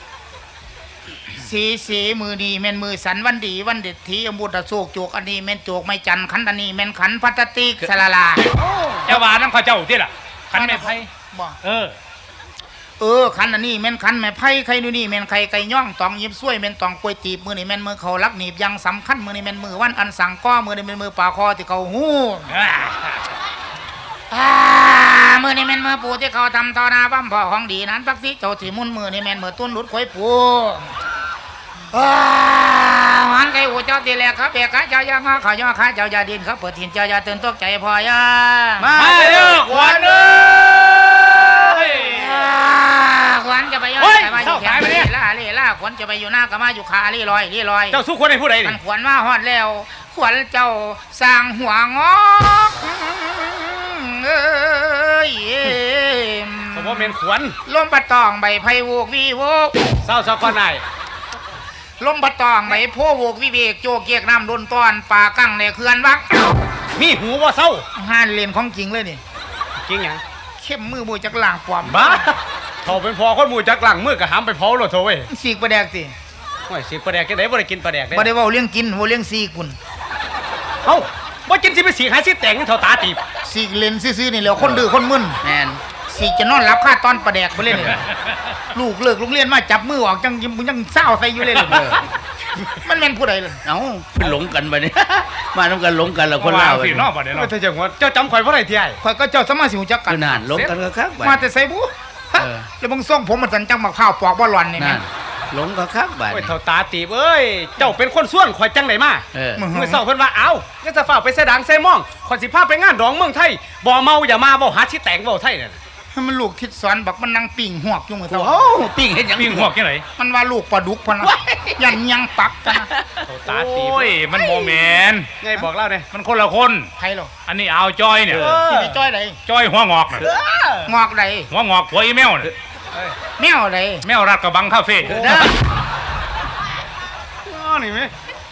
Speaker 2: สีสีมือนี้แม่นมือสันวันดีวันเด็ดทีอมุตะโศกโจกอันนี้แม่นโจกไม่จันขันอันนี้แม่นขันพัตติกสลาลา
Speaker 6: เจ้าว่าน้ำเขาเจ้าจิล่ะขันไม่ไพ่
Speaker 2: บ่
Speaker 6: เออ
Speaker 2: เออขันอันนี้แม่นขันแม่ไผ่ไข่ดูนี่แม่นไข่ไก่ย่องตองยิบซ้วยแม่นตองกล้วยตีบมือนี่แม่นมือเขาลักหนีบยังสำคัญมือนี่แม่นมือวันอันสั่งก้อมือนี่แม่นมือป่าคอที่เขาหู
Speaker 6: อ่า
Speaker 2: อ่ามือนี่แม่นมือปูที่เขาทำทอนาบ้ามพ่อของดีนั้นปักสิเจ้าที่มุนมือนี่แม่นมือตุ้นหลุดข่อยปูอ่าหันไก่หูเจ้าตีแหลกครับเบกขาเจ้าย่างาเขาย่อขาเจ้าอย่าดินเขาเปิดถิ่นเจ้าอย่าตื่นตกใจพอย่า
Speaker 1: มา
Speaker 6: มาเด้อขวัญเอ้ย
Speaker 2: อ่าขวัญจะไปย่อ
Speaker 6: เฮ้ย
Speaker 2: จะมาอยู่แข
Speaker 6: เข้าน ขายไปเนี่ย
Speaker 2: ล่าเล่ล่าขวัญจะไปอยู่หน้าก็มาอยู่ขาลี่ลอยลี่ลอย
Speaker 6: เจ้าสู้คนให้ผู้ใด
Speaker 2: มั
Speaker 6: นี่
Speaker 2: นขวัญมาฮอดแล้ว ขวัญเจ้าสร้างหัวงอกเอ้ย
Speaker 4: ผมว่าเมนขวัญ
Speaker 2: ลมปะตองใบไผ่โวกวีโวก
Speaker 4: เศร้าสักคนไหน
Speaker 2: ลมปะตองใบโพโวกวิเวกโจกเกียกน้ำดนตอนป่ากั้งในเขื่อนวัก
Speaker 4: มีหูว่าเศร้า
Speaker 2: ห้านเล่นของจริงเลยนี่
Speaker 4: จริงหยัง
Speaker 2: เข้มมือมือจากล่างปลอม
Speaker 4: บ้าเขาเป็นพอคนหมูจักหลังมือกะหามไปเผาโลดโถเว้ย
Speaker 2: สีกประแดกสิ
Speaker 4: ห่วยสิปลาแดกจังได๋บ่ได้กินปลาแดกได้
Speaker 2: บ่ได้เว้าเรื่องกินเว้าเรื่องสีกุน
Speaker 4: เอ้าบ่กินสิไปสีหาสิแต่งเท่าตาตีบ
Speaker 2: สีกเล่นซื่อๆนี่แหล้วคนดื้อคนมึน
Speaker 1: แมน
Speaker 2: สีกจะนอนรับค่าตอนประแดกไปเลยนี่ ลูกเลิกโรงเรียนมาจับมือออกจังยังยังเศร้าใส่อยู่เลยเลยมันแม่นผู้ใดเลย
Speaker 1: เอ้าเป็นหลงกันไปเนี่ย มาทำกันหลงกันแล้วคน
Speaker 6: ว่า
Speaker 1: เล่า
Speaker 6: สิเนอกบ่ได้เนาะ
Speaker 4: เธอจังว่าเจ้าจำข่อยบ่ได้ที่ไอ้
Speaker 2: ข่อยก็เจ้าสมาสิหูจักกัน
Speaker 1: คือนานหลงกันก็คักไป
Speaker 2: มาแต่ใส่บุ
Speaker 1: เออ
Speaker 2: แล้วมึงส่งผมมันสันจังมาข้าวปอกบ่หลอนนี่แม่
Speaker 1: นั่นหลงก็คักไป
Speaker 4: โอ้ยเท่าตาตีบเอ้ยเจ้าเป็นคนส่วนข่อยจังได๋มา
Speaker 1: เออ
Speaker 4: มื้อเช้าเพิ่นว่าเอ้าอย่าจะฝากไปใส่ดังใส่หม่องข่อยสิพาไปงานดองเมืองไทยบ่เมาอย่ามาเว้าหาสิแต่งเว้าไทยนั่น
Speaker 2: ให้มันลูกทิศสอนบักมันนั่งปิ่งหวกอยู่มือเท่า
Speaker 1: โอ้ปิ้งเห็นยัง
Speaker 6: มีหัวกจังได๋
Speaker 2: มันว่าลูกปลาดุกพะนะยันยังปักกันนะ
Speaker 4: เท่าตาตีบ
Speaker 6: โอ้ยมันบ่แม่น
Speaker 4: ไงบอกเล่าเด้
Speaker 6: มันคนละคน
Speaker 2: ใครหรอ
Speaker 6: อันนี้เอาวจอยเนี่ย
Speaker 2: ที่ไปจ้อยใด
Speaker 6: จอยหัวงอกน่ะ
Speaker 2: งอกใด
Speaker 6: หัวงอกหัวอีแมวน่ะ
Speaker 2: แมวใด
Speaker 6: แมวรัดกระบังคาเฟ่
Speaker 1: นะ
Speaker 4: อ๋อนี่แม่
Speaker 2: ค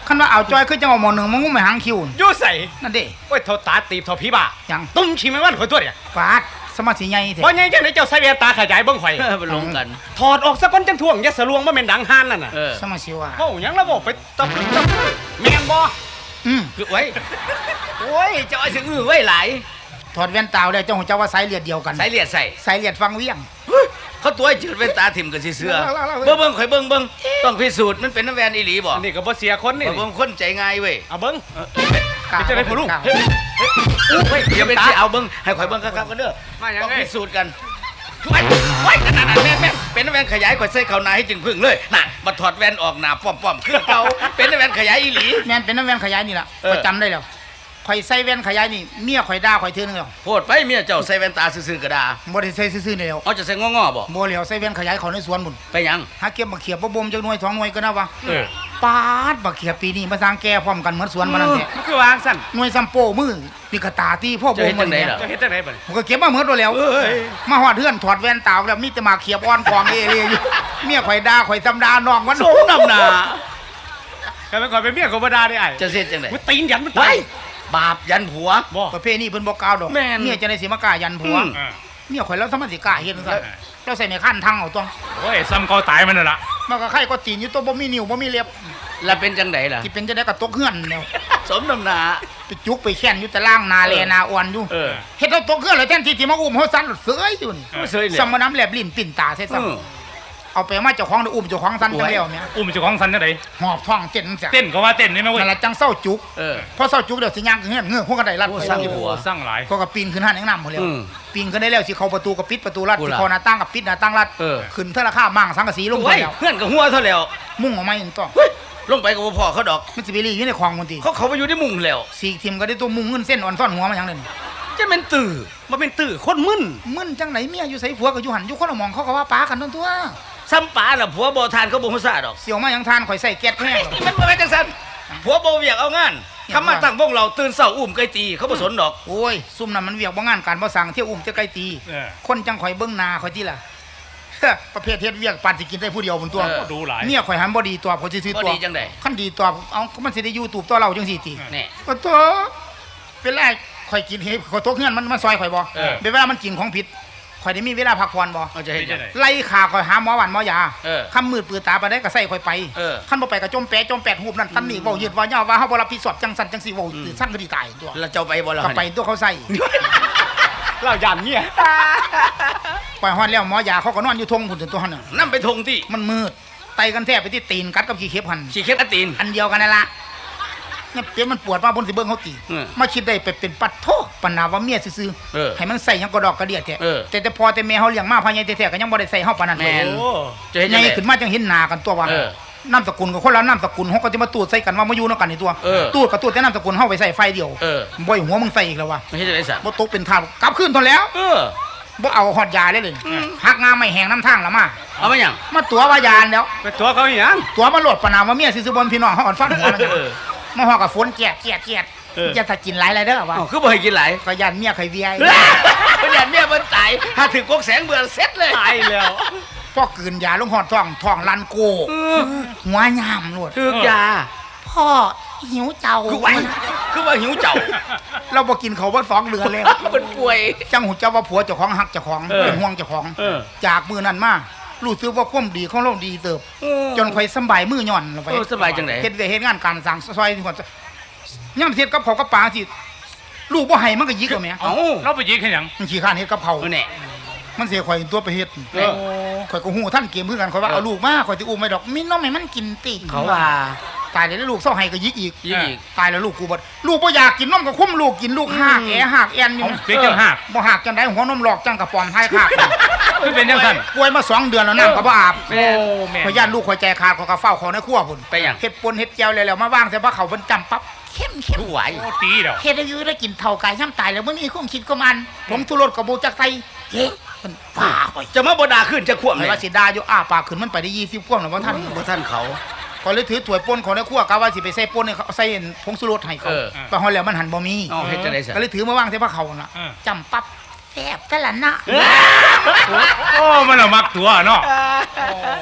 Speaker 2: คันว่าเอาจอยคือจังเอาหมอหนึ่งมางุ้มไปหางคิว
Speaker 4: อยู่ใส่
Speaker 2: นั่นเด้
Speaker 4: โอ้ยเท่าตาตีบเท่าผีบ้า
Speaker 2: หยัง
Speaker 4: ตุ้มขี้แมงวันข่อยตัวเนี่ย
Speaker 2: ฟาดสมาธิใหญ่แท้
Speaker 4: เพราะยังจังไดเจ้าใส่แว่นตาขยายเบิ่งข่อย
Speaker 1: เออมันลงกัน
Speaker 4: ถอดออกซะก่อนจังท่วงอย่าสะลวงบ่แม่นดังห่านนั่นน่ะ
Speaker 1: เออ
Speaker 2: สมาธิว่า
Speaker 4: เว้าหยังแล้วบ่ไปตบตบแม่นบ่
Speaker 2: อืม
Speaker 1: คือไว้โอ้ยเจ้าไอ้สิอื้อไว้หลาย
Speaker 2: ถอดแว่นตาแล้วเจ้าหัวเจ้าว่าสายเลือดเดียวกัน
Speaker 1: สายเลียดใส่
Speaker 2: สายเลือดฟังเวียง
Speaker 1: เขาตัวไอ้จืดแว่นตาถิ่มกับสิเสือ
Speaker 2: เล่าๆๆ
Speaker 1: เบิ่งเบิ่งข่อยเบิ่งเบิ่งต้องพิสูจน์มันเป็นน้ำแวนอีหลีบ่
Speaker 4: อันนี้ก็บ่เสียคนนี่
Speaker 1: ข่อยเบิ่งคนใจง่ายเว้ย
Speaker 4: เอาเบิ่ง
Speaker 2: กล้า
Speaker 4: เป็นจังได๋พ่อลุง
Speaker 2: กล้า
Speaker 1: เฮ้ยเฮ้ยอู้เฮ้ยเดี๋ยวเป็นสิเอาเบิ่งให้ข่อยเบิ่งคักๆกันเด้อ
Speaker 4: มาหยัง
Speaker 1: ต้อง
Speaker 4: ไง
Speaker 1: พิสูจน์กันไว้ไว้นั่นๆๆแม่นแม่นเป็นน้ำแวนขยายข่อยใส่เข้าหน้าให้จึงพึ่งเลยน่ะบัดถอดแว่นออกหน้าป้อมๆคือเก่าเป็นน้ำแวนขยายอีหลี
Speaker 2: แม่นเป็นน้ำแว่นขยายนี่ล่ะ
Speaker 1: เออ
Speaker 2: ข่อยจำได้แล้วข่อยใส่แว่นขยายนี่เมียข่อยด่าข่อยเทื่อนึงแล้ว
Speaker 1: โพดไปเมียเจ้าใส่แว่นตาซื่อๆก็ได้
Speaker 2: บ่ได้ใส่ซื่อๆนี่แล้ว
Speaker 1: เอาจะใส่งอๆบ่
Speaker 2: บ่แล้วใส่แว่นขยายเขาในสวนบุญ
Speaker 1: ไปหยัง
Speaker 2: หาเก็บบักเขียบบ่บ่มจักหน่วยสองหน่วยก็นะวะ
Speaker 4: เออ
Speaker 2: ปาดบักเขียบปีนี้มาสร้างแก่พร้อมกันเหมือนสวนมานั่นแหละ
Speaker 4: มันคือวางสั่น
Speaker 2: หน่วยซัมโป้มือปีกระตาที่พ่อ
Speaker 1: จะ
Speaker 2: บ่
Speaker 1: เฮ็ด
Speaker 2: ม
Speaker 1: จังได๋
Speaker 2: เนี่ย
Speaker 1: ล่ะ
Speaker 4: จะเฮ็ดจังไดบัดนี้
Speaker 2: ผมก็เก็บมาเหมือนตัวแล้ว
Speaker 1: เอ้ย
Speaker 2: มาฮอดเฮือนถอดแว่นตาแล้วมีแต่หมากเขียบอ่อนกองเอเรอยู่เมียข่อยด่าข่อยตำดาน้องวัน
Speaker 1: สมน้ำหน้า
Speaker 4: ก็เป็นข่อยเป็นเมียของบ่ได้ได้อ้าย
Speaker 1: จะเฮ็ดจังได๋
Speaker 4: กูตีนยันมัน
Speaker 1: ไว้
Speaker 4: ตาย
Speaker 1: บาปยันผัว
Speaker 4: บ่
Speaker 2: ประเภทนี้เพิ่นบ่กล่าวดอก
Speaker 1: แม่น
Speaker 2: เมียจะได้สิมากล้ายันผัว
Speaker 1: อืม
Speaker 4: อ่า
Speaker 2: เมียข่อยแล้วสามารถสิกล้าเฮ็ดจังซั่นเราใส่ในขั้นทางเอาตัว
Speaker 4: โอ้ยซ้ำเก่าตายมันน่ะล่ะ
Speaker 2: มันก็ไข่ก็ตีนอยู่ตัวบ่มีนิ้วบ่มีเล็บ
Speaker 1: แล้วเป็นจังไดล่ะ
Speaker 2: สิเป็นจะได้ก็ตกเฮือนแล้ว
Speaker 1: สมน้ำหน้า
Speaker 2: ไปจุกไปแค้นอยู่แต่ล่างนาแลนาอ่อนอยู่
Speaker 1: เออ
Speaker 2: เฮ็ดเอาตกเฮือนแล้วแทนที่สิมาอุ้มเฮาสั่นเสยอยู่นี่
Speaker 1: บ่เสยเลย
Speaker 2: สมน้ำแลบลิ้นปิ่นตาใส่ซ้ำ
Speaker 1: เออ
Speaker 2: เอาไปมาเจ้าของได้อุ้มเจ้าของสั่นจังแล้วแม่
Speaker 4: อุ้มเจ้าของสันจังได๋
Speaker 2: หอบท้องเต้นจัง
Speaker 4: เต้นก็ว่าเต้นนี่แม่เว้ย
Speaker 2: นั่นล่ะจังเศร้าจุก
Speaker 1: เออ
Speaker 2: พอเศร้าจุกเดี๋ยวสิย่างขึ้นเฮือนเงือกพวกก็ได้รัด
Speaker 1: โอ้
Speaker 2: ไป
Speaker 1: สร้าง
Speaker 2: อยู่
Speaker 1: ผัว
Speaker 4: สร้างหลาย
Speaker 2: ก็ก็ปีนขึ้นห้านแห่งน้ำหมดแล้ว
Speaker 1: อืม
Speaker 2: ปีนขึ้นได้แล้วสิเข้าประตูก็ปิดประตูรัด
Speaker 1: กู
Speaker 2: สิ
Speaker 1: ล่ะ
Speaker 2: เข้าหน้าต่างก็ปิดหน้าต่างรัด
Speaker 1: เออ
Speaker 2: ขึ้นเท่าราคามั่งสังกะสีลงไป
Speaker 1: โอ้ย
Speaker 2: แล้ว
Speaker 1: เพื่อนกับหัวเท่าแล้ว
Speaker 2: มุ่งออกมาอีกตัว
Speaker 1: เฮ้ยลงไปกับบ่พอเขาดอก
Speaker 2: มันสิไปรีอยู่ในคลองมันติ
Speaker 1: เขาเขาไปอยู่ในมุงแล้ว
Speaker 2: สีกทิมก็ได้ตัวมุงเงินเส้นอ่อนซ่อนหัวมาหยังเลยนี่
Speaker 1: จะเป็นตื่อมาเป็นตื่อคนมึน
Speaker 2: มึนจังไหนเมียอยู่ไสผัวก็อยู่หันอยู่คนละหมองเขาก็ว่าป้ากันนั่นตัว
Speaker 1: ซ้ำป๋าล่ะผัวบ่ทานเขาบ่ฮู้ซาดอก
Speaker 2: เสี่ยวมาหยังทานข่อยใส่แก๊สแห้ง
Speaker 1: นี่มันบ่แม่นจังซั่นผัวบ่เวียกเอางานคำมาตั้งวงเราตื่นเช้าอุ้มไก่ตีเขาบ่สนดอก
Speaker 2: โอ้ยซุ่มนั้นมันเวียกบ่งานการบ่สั่งเที่ยวอุ้มเที่ยวไกลตี
Speaker 4: เออ
Speaker 2: คนจังข่อยเบิ่งหน้าข่อยติล่ะ ประเภทเฮ็ดเวียกปานสิกินได้ผู้เดียวบนตัว
Speaker 1: เออ
Speaker 4: ดูหลาย
Speaker 2: เมียข่อยหันบ่ดีตัวข่อยสิซื้อ
Speaker 1: บ่
Speaker 2: ตัว
Speaker 1: ดีจังได๋
Speaker 2: คันดีตัวเอามันสิได้อยู่ตูบตัวเราจังซี่ติ
Speaker 1: แน่
Speaker 2: โอ้ตัวเป็นไรข่อยกินเฮ็ดข่อยตกเฮือนมันมาซอยข่อยบ่
Speaker 1: เออ
Speaker 2: เป็นเวลามันกินของผิดข่อยได้มีเวลาพักผ่อนบ่
Speaker 1: เอาจะเฮ็ดจังได๋
Speaker 2: ไล่ขาข่อยหาหมอหวันหมอยา
Speaker 1: เออ
Speaker 2: คำมืดปือตาไปได้ก็ใส่ข่อยไป
Speaker 1: เออ
Speaker 2: คันบ่ไปก็จมแปะจมแปดหูบนั่นตันนี่เว้ายืดเว้ายาวว่าเฮาบ่รับผิดชอบจังสั่นจังซี่เว้าตื่นสั่นก็ดีตายตัว
Speaker 1: แล้วเจ้าไปบ่ล่ะ
Speaker 2: ก็ไปตัวเขาใส่
Speaker 4: เราย่านเมีย
Speaker 2: ไปฮอดแล้วหมอยาเขาก็นอนอยู่ทงพุ่นจนตัวหั่นน่ะ
Speaker 1: นำไปทงที่
Speaker 2: มันมืดไตกันแทบไปที่ตีนกัดกับขี้เข็บหั่น
Speaker 1: สิเข็ดอันตีน
Speaker 2: อันเดียวกันนั่นล่ะเนี่ยเปียมันปวดมาบนสิเบิ่งเขาตี
Speaker 1: เออ
Speaker 2: มาคิดได้ไปเป็นปัดโทปัญหาว่าเมียซื่อ
Speaker 1: เออ
Speaker 2: ๆให้มันใส่หยังกระดอกกระเดียดแท้
Speaker 1: เออ
Speaker 2: แต่แต่พอแต่แม่เฮาเลี้ยงมาพาใหญ่แท้ๆก็ยังบ่ได้ใส่เฮาปานนั้น
Speaker 1: แม่น
Speaker 4: โอ้
Speaker 1: จะเฮ็ด
Speaker 2: ให
Speaker 1: จัง
Speaker 2: ญ่
Speaker 1: ได๋
Speaker 2: ขึ้นมาจังเห็นหน้ากันตัวว่า
Speaker 1: เออ
Speaker 2: นามสกุลกับคนละนามสกุลเฮาก็จะมาตูดใส่กันว่ามาอยู่นำกันนี่ตัว
Speaker 1: เออ
Speaker 2: ตูดกับตูดแต่นามสกุลเฮาไปใส่ไฟเดียว
Speaker 1: เออ
Speaker 2: บ่อยหัวมึงใส่อีกแล้ววะ
Speaker 1: ไม่เฮ็ดจังได๋ซะ
Speaker 2: บ่ตกเป็นทาสกลับคืนทนแล้ว
Speaker 1: เออ
Speaker 2: บ่เอาฮอดยาเลยเลยหักงาไม่แห้งน้ำทางละมา
Speaker 1: เอามาหยัง
Speaker 2: มาตัวว่ายานแล้ว
Speaker 4: เป็นตัวเขาอีหยัง
Speaker 2: ตัวมาโหลดประนามว่าเมียซื่อๆบนพี่น้องเฮาอ่อนฟันหัวมัน
Speaker 1: เออ
Speaker 2: มาฮอดกับฝนแกะแกะแกะ
Speaker 4: เออ
Speaker 2: อย่าถ้ากินหลายๆเด้อว่า
Speaker 1: อ้าวคือบ่ให้กินหลาย
Speaker 2: ก็ย่านเมียเคยเวีย
Speaker 1: เพิ่นอยากเมียเพิ่นตายถ้าถึงกกแสงเบื่อเสร็จเลย
Speaker 4: ตายแล้ว
Speaker 2: พอกืนยาลงหอดท้องท้องลันโก
Speaker 1: เออ
Speaker 2: หัวยามโลด
Speaker 1: ถึกยา
Speaker 2: พ่อหิวเจ้า
Speaker 1: คือไว้คือว่าหิวเจ้า
Speaker 2: เราบ่กินเขาวบ่สองเดือนแล้ว
Speaker 1: มันป่วย
Speaker 2: จังหูเจ้าว่าผัวเจ้าของหักเจ้าของ
Speaker 4: เออ
Speaker 2: เป็นห่วงเจ้าของ
Speaker 4: เออ
Speaker 2: จากมือนั้นมารู้สึกว่าความดีของเราดีเติบ จนข่อยสำบายมือย่อนลงไป
Speaker 1: เออสบายจังได๋
Speaker 2: เฮ็ดเวยกเฮ็ดงานการสร้างซอยที่ก่อนย่ำเฮ็ดกับเขาวกับปลาสิลูกบ่ให้มันก็ยิกเอาแหม่
Speaker 1: เอ้า
Speaker 4: เราไปยิงให้หยัง
Speaker 2: มันขี้ข้านเฮ็ดกับเขาว
Speaker 1: เอาแน่
Speaker 2: มันเสียข่อยตัวไปเฮ็ด
Speaker 1: เออ
Speaker 2: ข่อยก็ฮู้ท่านเกมคือกันข่อยว่าเอาลูกมาข่อยสิอุ้มไว้ดอกมีน้องให้มันกินติ
Speaker 1: เขาว่า
Speaker 2: ตายแล้วลูกเศร้าให้ก็ยิกอีก
Speaker 1: ยิงอีก
Speaker 2: ตายแล้วลูกกูบ่ลูกบ่อยากกินนมก็คุ้มลูกกินลูกหากแอหากแอนอยู่
Speaker 4: เปียกจังหัก
Speaker 2: บ่หากจังได๋หัวนมหลอกจังกระปอมท้ายคาก
Speaker 4: คือเป็นจังซั่น
Speaker 2: ป่วยมาสองเดือนแล้วน้ำก็บ่อาบ
Speaker 4: โอ้แม่
Speaker 2: ข่อยย่านลูกข่อยใจขาดข่อยก็เฝ้าเขาในครัวพุ่น
Speaker 1: ไปหยัง
Speaker 2: เฮ็ดปนเฮ็ดแจวแล้วๆมาวางใส่ผ้าเขาวเพิ่นจำปั๊บเข้มเข้ม
Speaker 1: ผู้ไหว
Speaker 4: โอ้ตีแล้ว
Speaker 2: เฮ็ดให้อยู่ได้กินเท่ากายย่ำตายแล้วบ่มีความคิดก็มัน ผมทุรดกับบ่จักใส่เฮ้เพิ่นป้าข่อย
Speaker 1: จะมาบ่ด่าขึ้นจะควบ
Speaker 2: แต่
Speaker 1: เลย
Speaker 2: ว่าสิด่าอยู่อ้าปากขึ้นมันไปได้ยี่สิบกว่าแล้วบ่ทัน
Speaker 1: บ่ท่านเขา
Speaker 2: ก็เลยถือถ้วยป่นเขาในครัวกะว่าสิไปใส่ป่นให้เขาใส่ผงชูรสให้เขา
Speaker 1: เออ
Speaker 2: ไปฮอดแล้วมันหันบ่มี
Speaker 1: เอาเฮ็ดจังได๋ซะ
Speaker 2: ก็เลยถือมาวางใส่ผ้าเขาวน่ะ
Speaker 4: เออ
Speaker 2: จำปั๊บแซ่บแต่ละนะ
Speaker 4: โอ้มันละมักตัวเนาะ
Speaker 2: ข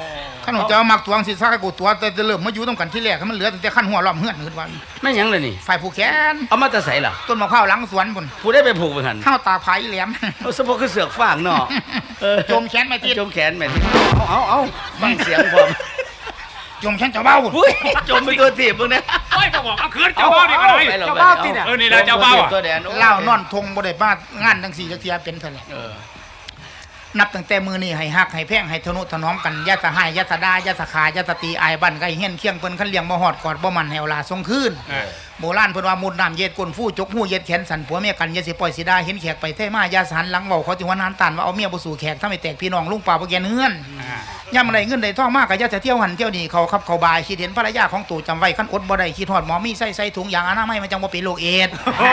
Speaker 2: ขันของเจ้ามักตัวสิซักให้กูตัวแต่จะเริ่มมาอยู่ต้องกันที่แรกให้มันเหลือแต่ขั้นหัวล้อมเฮือนขึ้นวัน
Speaker 1: แม่นหยังเลยนี่
Speaker 2: ฝ่ายผูกแขน
Speaker 1: เอามาจะใส่ล่ะ
Speaker 2: ต้นมะพร้าวหลังสวนพุ่น
Speaker 1: ผู้ได้ไปผูกไปหัน
Speaker 2: ข้าวตาไผ่แหลม
Speaker 1: เอาสะโพกคือเสือกฟางเนาะเออ
Speaker 2: โจมแขนไม่ติด
Speaker 1: จมแขนแม่นเอาเอาเอาฟังเสียงพร้อม
Speaker 2: โจมแขนเจ้าเบ้าพุ่น
Speaker 1: อุ้ยจมไปตัวถีบมึงเนี่ย
Speaker 6: โอ้ยก็บอกเอาคืนเจ้าบ้านี่ก็ได้
Speaker 1: ไปหรอ
Speaker 4: เจ้าบ้าติเนี่ย
Speaker 6: เออนี่แหละเจ้าบ้าอะ
Speaker 1: ตัวแดนโอ้ย
Speaker 2: เล่านอนทงบ่ได้บ้างานทั้งสี่จักเทียเป็นเท่าไหร่
Speaker 1: เออ
Speaker 2: นับตั้งแต่มือนี่ให้ฮักให้แพงให้ทนุถนอมกันอยาสะหายอยาสะดาอยาสะขายอยาสะตีอายบันไก่เฮียนเคียงเพิ่นคันเลี้ยงบ่ฮอดกอดบ่มันแหวลาทรงคืน
Speaker 6: เออ
Speaker 2: โบราณเพิ่นว่ามุดน้ำเย็ดก้นฟู่จกหู้เย็ดแขนสั่นผัวเมียกันอย่าสิปล่อยสิดาเห็นแขกไปเท่มาอย่าสันหลังเว้าเขาจิว่านานตานว่าเอาเมียบ่สู่แขกทำให้แตกพี่น้องลุงป่าบ่แกนเฮือนย่ำไรเงินได้ทองมากก็อย่าจะเที่ยวหันเที่ยวนี่เขาขับเขาบายคิดเห็นภรรยาของตู่จำไว้คันอดบ่ได้คิดฮอดหมอมีใส่ใส่ถุงยางอนามัยมันจังบ่เป็นโรคเอดส์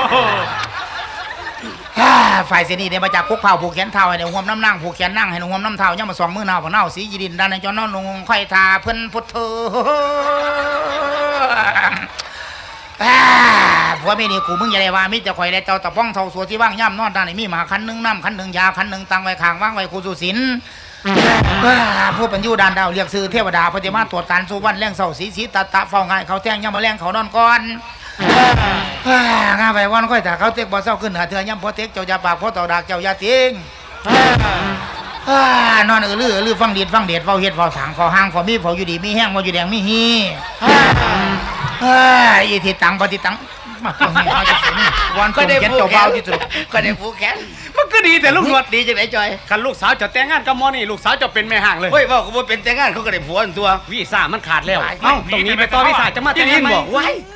Speaker 2: อ่าฝ่ายเสนีเนี่ยมาจากคุกเผาผูกแขนเท้าให้ในห่วมน้ำนั่งผูกแขนนั่งให้ในห่วมน้ำเท้าย่ำมาสองมือหนาวผ่าเน่าสียีดินด้านในจอนอนลงไข่ทาเพิ่นพุทโธอ่าผัวเมียนี่กูมึงอย่าได้ว่ามิจะข่อยได้เจ้าตะป้องเท่าสัวที่ว่างย่ำนอนด้านในมีหมาคันหนึ่งน้ำคันหนึ่งยาคันหนึ่งตังไว้ข้างว่างไว้กูสุสินอ่าผู้เป็นอยู่ด้านดาวเรียกซื้อเทวดาปฏิมาตรวจการสุวรรณแรงเสาสีสีตาตะเฝ้าง่ายเขาแท่งย่ำมาแรงเขานอนก่อนงาไปวันค่อยถ้าเขาเต็กบ่เศร้าขึ้นเหนือเถื่อย่ำพอเต็กเจ้าอย่าปากพอต่อดากเจ้าอย่าติงนอนเออลือลือฟังดีดฟังเด็ดเฝ้าเฮ็ดเฝ้าถางเฝ้าห้างเฝ้ามีเฝ้าอยู่ดีมีแห้งบ่อยู่แดงมีฮีอีทิตังปฏิตังมาตรงนี้มาจะสนวัน
Speaker 1: ก็
Speaker 2: ก็
Speaker 1: ได้
Speaker 2: ได้เขียน
Speaker 1: ผูก
Speaker 2: เจ้า
Speaker 1: แข
Speaker 2: เบาน ที่สุด
Speaker 1: ก็ได้ผูกแขน
Speaker 4: มันก็ดีแต่ลูกหนวด
Speaker 1: ดีจังไหนจอย
Speaker 4: คันลูกสาวจะแต่งงานกับหมอนี่ลูกสาวจะเป็นแม่ห่างเลย
Speaker 1: เฮ้ยว่ากูบ่เป็นแต่งงานเขาก็ได้ผัวอันตัว
Speaker 4: วีซ่ามันขาดแล้วเอ้าตรงนี้ไปต่อวีซ่าจะมาแต่ง
Speaker 1: ที่
Speaker 4: งาน
Speaker 1: นี่
Speaker 4: ไหม
Speaker 1: บอกไว้